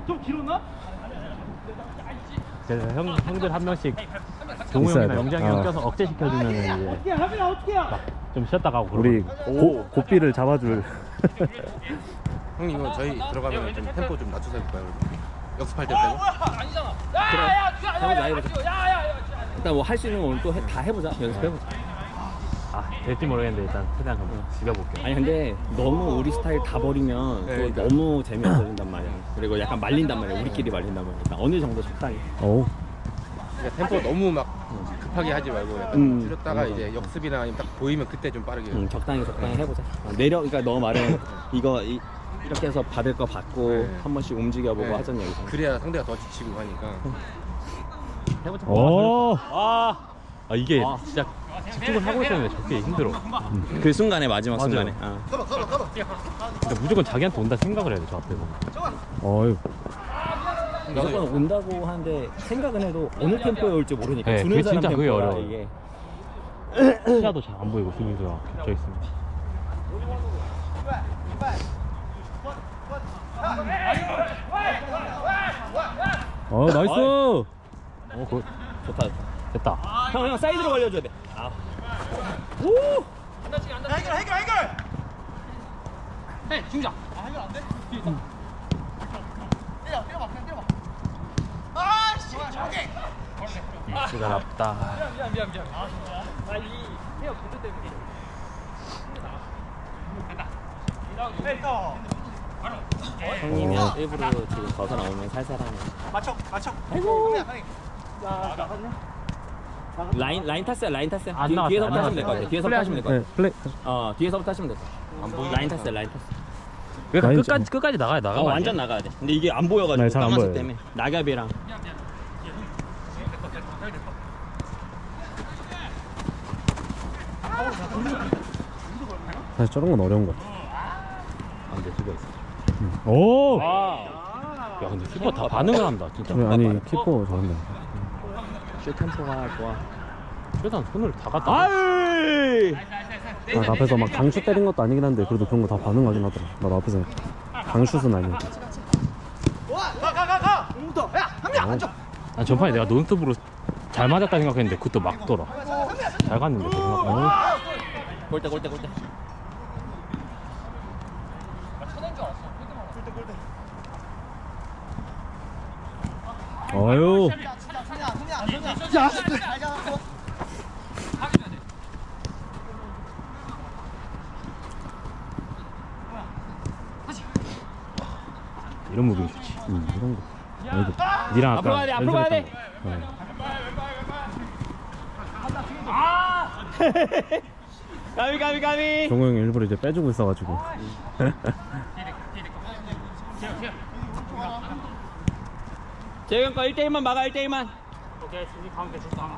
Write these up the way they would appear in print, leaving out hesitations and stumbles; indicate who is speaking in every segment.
Speaker 1: 좀 길었나?
Speaker 2: 그래서 형들 한 명씩 동우 형이나
Speaker 3: 돼.
Speaker 2: 영장이 형 껴서 억제 시켜주면 이제
Speaker 1: 어떻게 하면 어떻게 해?
Speaker 2: 좀 쉬었다 가고
Speaker 3: 우리
Speaker 2: 그러거든요.
Speaker 3: 고삐를 잡아줄.
Speaker 4: 형님 이거 저희 들어가면 좀 템포 좀 낮춰서 해볼까요? 연습할 때 빼고?
Speaker 5: 해보자 해보자. 일단 뭐 할 수 있는 건 또 다 해보자. 연습해보자.
Speaker 2: 아 될지 모르겠는데 일단 최대한 한번 죽여볼게요.
Speaker 5: 아니 근데 너무 우리 스타일 다 버리면
Speaker 4: 네,
Speaker 5: 또 너무 재미없어진단 말이야. 그리고 약간 말린단 말이야. 우리끼리 말린단 말이야. 일단 어느 정도 적당히.
Speaker 3: 오.
Speaker 4: 그러니까 템포 너무 막 급하게 하지 말고 약간 줄였다가 이제 역습이나 아니면 딱 보이면 그때 좀 빠르게
Speaker 5: 적당히 해보자. 그러니까 너 말은 이거 이렇게 해서 받을 거 받고
Speaker 4: 네.
Speaker 5: 한 번씩 움직여보고
Speaker 4: 네.
Speaker 5: 하자는 얘기잖아.
Speaker 4: 그래야 상대가 더 지치고 하니까
Speaker 5: 해보자.
Speaker 3: 오.
Speaker 2: 이게
Speaker 5: 아.
Speaker 2: 진짜 집중을 하고 있었는데 저게 힘들어.
Speaker 5: 그 순간에 마지막
Speaker 2: 맞아요.
Speaker 5: 순간에.
Speaker 2: 그러니까 무조건 자기한테 온다 생각을 해야 돼 저 앞에서.
Speaker 3: 어휴.
Speaker 5: 무조건 온다고 하는데 생각은 해도 어느 템포에 올지 모르니까
Speaker 2: 네,
Speaker 5: 주는
Speaker 2: 그게
Speaker 5: 사람
Speaker 2: 진짜 그게
Speaker 5: 템포라
Speaker 2: 어려워요.
Speaker 5: 이게.
Speaker 2: 시야도 잘 안 보이고 수비수가 저 있으면.
Speaker 3: 나이스.
Speaker 2: 그
Speaker 5: 좋다.
Speaker 2: 됐다.
Speaker 5: 형 사이드로 걸려줘야 돼.
Speaker 2: 시간 없다.
Speaker 5: 형님이 일부러 지금 벗어 나오면 살살하네.
Speaker 1: 맞춰.
Speaker 5: 아이고. 라인 탔어요.
Speaker 2: 안 나왔어요,
Speaker 5: 뒤에서부터
Speaker 2: 안
Speaker 5: 하시면 될 것 같아.
Speaker 2: 나왔어요.
Speaker 5: 뒤에서부터 하시면 될 것
Speaker 3: 네,
Speaker 5: 같아.
Speaker 3: 플레이.
Speaker 5: 뒤에서부터 하시면 될 것 같아. 라인 탔어요.
Speaker 2: 그러니까
Speaker 3: 라인
Speaker 2: 끝까지 나가야 나가.
Speaker 5: 완전 나가야 돼. 근데 이게 안 보여가지고
Speaker 3: 네, 잘안
Speaker 5: 까만색
Speaker 3: 보여요.
Speaker 5: 때문에 낙엽이랑.
Speaker 3: 사실 저런 건 어려운 것 같아.
Speaker 5: 안돼 수고 있어.
Speaker 3: 오.
Speaker 2: 야 근데 키퍼 다 반응을 한다 진짜.
Speaker 3: 아니 키퍼 잘한다.
Speaker 5: 슛 템포가 좋아.
Speaker 2: 최대한 손을 다 갖다.
Speaker 3: 나 앞에서 막 강슛 때린 것도 아니긴 한데 그래도 그런 거 다 반응하긴 하더라. 나 앞에서 강슛은 아니야.
Speaker 2: 난 전판에 내가 논스톱으로 잘 맞았다 생각했는데 그것도 막더라. 잘 갔는데 그 생각보다.
Speaker 5: 골대.
Speaker 3: 어휴.
Speaker 2: 이런 무빙 좋지.
Speaker 3: 이런 거. 아이고. 니랑
Speaker 5: 앞으로
Speaker 3: 아까
Speaker 5: 가야 돼. 앞으로 가야 돼. 가비.
Speaker 3: 종호 형이 일부러 이제 빼주고 있어가지고.
Speaker 5: 재영 거 1대1만 막아 1대1만.
Speaker 1: 오케이, 수비 가운데 줬어, 가운데.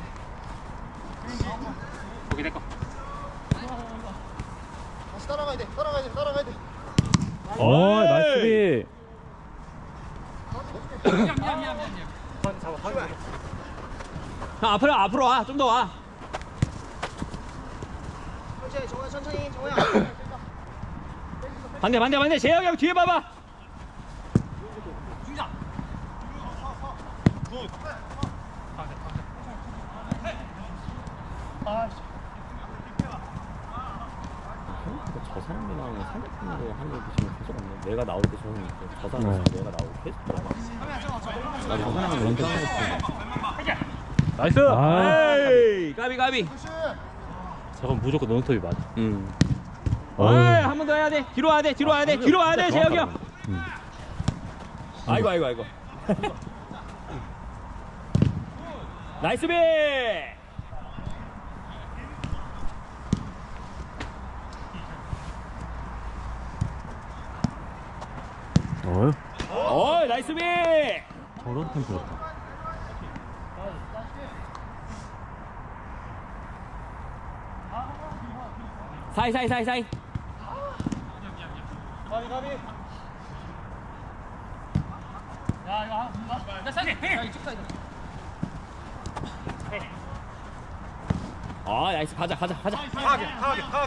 Speaker 1: 거기 내 거.
Speaker 3: 나이스 비.
Speaker 5: 형 앞으로 와. 좀 더 와.
Speaker 1: 천천히, 정호야.
Speaker 5: 반대. 재영 형 뒤에 봐봐. 저 사람이랑 상대편으로 하는 게 지금 계속 없네. 내가 나올 때 저 형이 있고 저 사람이랑 내가 나올 때 계속 들어가. 나저 사람이랑 런던 하고
Speaker 2: 나이스.
Speaker 5: 에이 가비.
Speaker 2: 저건 무조건 논스톱이 맞아.
Speaker 5: 한 번 더 해야 돼. 뒤로 와야 돼. 재혁이 형. 아이고. 나이스 비. 나이스 비.
Speaker 2: 저런 템포 좋다.
Speaker 5: 사이. 나이스 가자.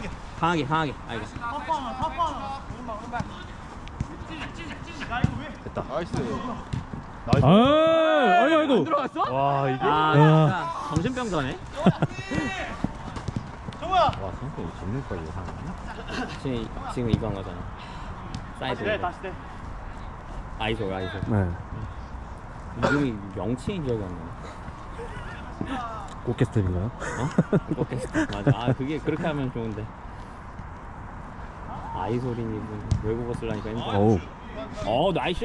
Speaker 5: 강하게. 알겠어.
Speaker 2: 됐다.
Speaker 4: 나이스.
Speaker 2: 아이고.
Speaker 5: 들어갔어?
Speaker 2: 와, 이게.
Speaker 5: 아, 진짜 정신병자네.
Speaker 1: 정우야.
Speaker 5: 와, 성격이 정말 빨리 하네. 지금 이거 한 거잖아. 사이드.
Speaker 1: 네, 다시 돼.
Speaker 5: 아이소.
Speaker 3: 네.
Speaker 5: 이름이 명칭인 기억이 안 나네.
Speaker 3: 꽃게 스텝인가요?
Speaker 5: 어? 꽃게스트. 맞아. 아, 그게 그렇게 하면 좋은데. 아이소린이 외국어 쓰려니까 힘들어.
Speaker 3: 어우.
Speaker 5: 나이스.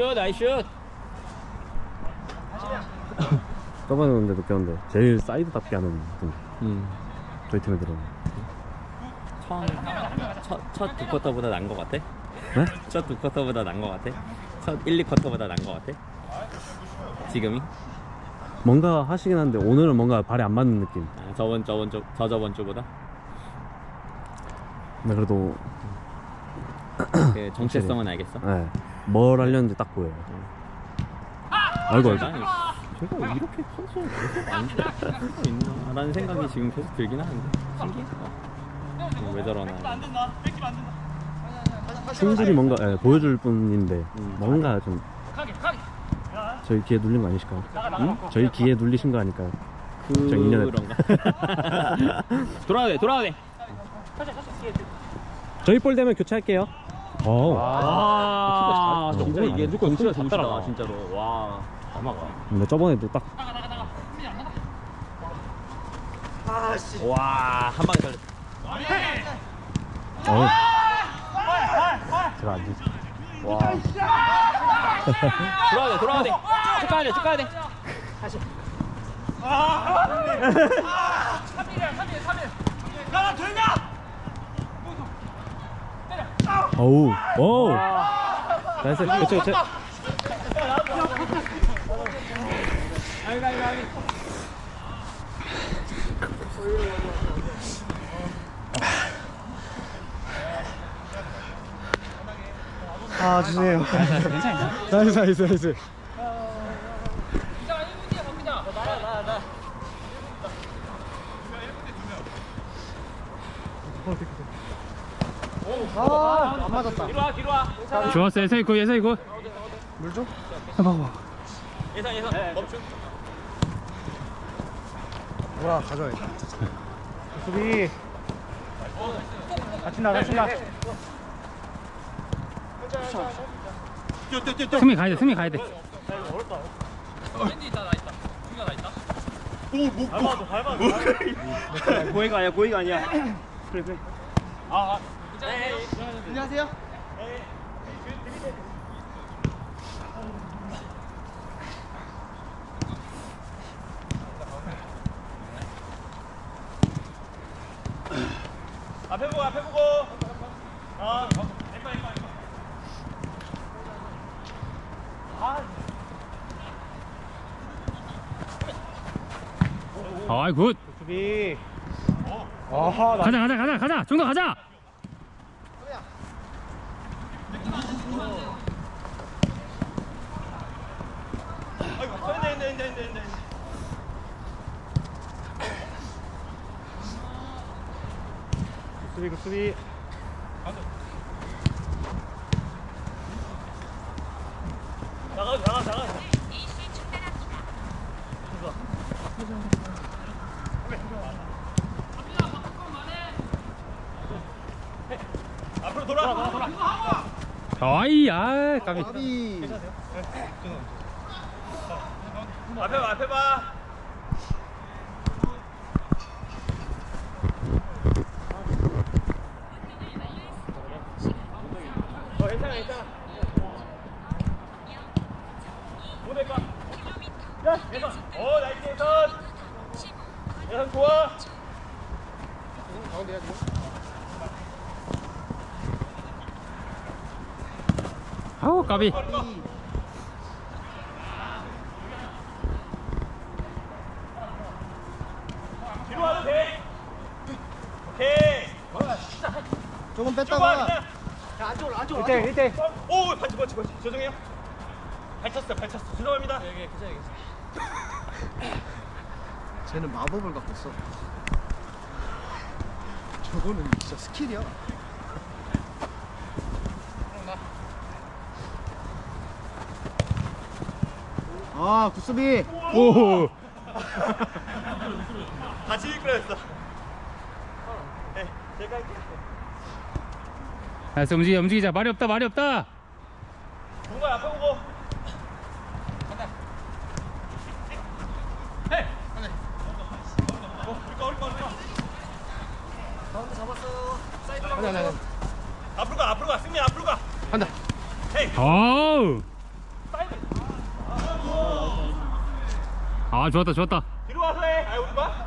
Speaker 3: 저번에 근데 느꼈는데 제일 사이드답게 하는 분 저희 팀에 들어오는.
Speaker 5: 첫 두 쿼터보다 난 거 같아?
Speaker 3: 네?
Speaker 5: 첫 두 쿼터보다 난 거 같아? 첫 1, 2쿼터보다 난 거 같아? 지금이?
Speaker 3: 뭔가 하시긴 한데 오늘은 뭔가 발에 안 맞는 느낌.
Speaker 5: 아, 저저번 주보다?
Speaker 3: 근데 그래도
Speaker 5: 그 정체성은 알겠어?
Speaker 3: 네. 뭘 하려는지 딱 보여요. 아이고.
Speaker 5: 아니, 제가 이렇게 컨디션이 계속 안 좋을 수가 있나 라는 생각이 지금 계속 들긴 하는데 신기해. 왜 저러나.
Speaker 3: 충분히 뭔가 보여줄 뿐인데 뭔가 좀 저희 귀에 눌린 거 아니실까요? 저희 귀에 눌리신 거 아닐까요? 저 인연에
Speaker 5: 그런가? 돌아야 돼.
Speaker 3: 저희 볼 되면 교체할게요.
Speaker 5: 와, 진짜 이게
Speaker 2: 무조건
Speaker 5: 진짜
Speaker 2: 손
Speaker 5: 정신다
Speaker 2: 따라가.
Speaker 5: 진짜로. 와,
Speaker 2: 아마가.
Speaker 3: 근데 저번에도 딱
Speaker 5: 와, 한 방에 살렸어.
Speaker 2: 제가 안 되지.
Speaker 5: 와. 돌아야 돼. 쭉 가야 돼. 다시.
Speaker 3: 어우. 나이스. 교체.
Speaker 1: 아, 죄송해요.
Speaker 3: 나이스.
Speaker 1: 아, 안 맞았다.
Speaker 2: 좋았어, 예상이 굿.
Speaker 1: 물 좀?
Speaker 5: 예상 멈춤.
Speaker 1: 뭐야, 가져야겠다. 수비. 같이 나.
Speaker 2: 승미 가야 돼.
Speaker 1: 고의가 아니야. 그래. 안녕하세요. 앞에 보고.
Speaker 2: 아이 굿.
Speaker 1: 수비. 아하,
Speaker 2: 가자. 정도 가자.
Speaker 1: 수비. 나가. 앞으로 돌아.
Speaker 2: 아이, 까비.
Speaker 1: 앞에 봐. 괜찮아. 뭐 될까? 야, 예선. 나이스 예선. 예선 좋아. 가운데 해야지.
Speaker 2: 아우, 까비.
Speaker 1: 뒤로 와도 돼. 오케이.
Speaker 6: 조금 뺐다가
Speaker 1: 안쪽으로. 1대. 오, 반칙. 죄송해요. 발 찼어. 죄송합니다. 괜찮아요.
Speaker 6: 쟤는 마법을 갖고 있어. 저거는 진짜 스킬이야. 아 구수비.
Speaker 2: 오.
Speaker 1: 같이 이끌어냈어. 네, 제가 할게요.
Speaker 2: 알았어, 움직이자. 말이 없다, 말이 없다.
Speaker 1: 동관 앞에 보고. 앞으로 가, 승민 앞으로 가.
Speaker 4: 한다.
Speaker 2: 어우. 아, 좋았다.
Speaker 1: 뒤로 와서 해. 아, 우리 봐.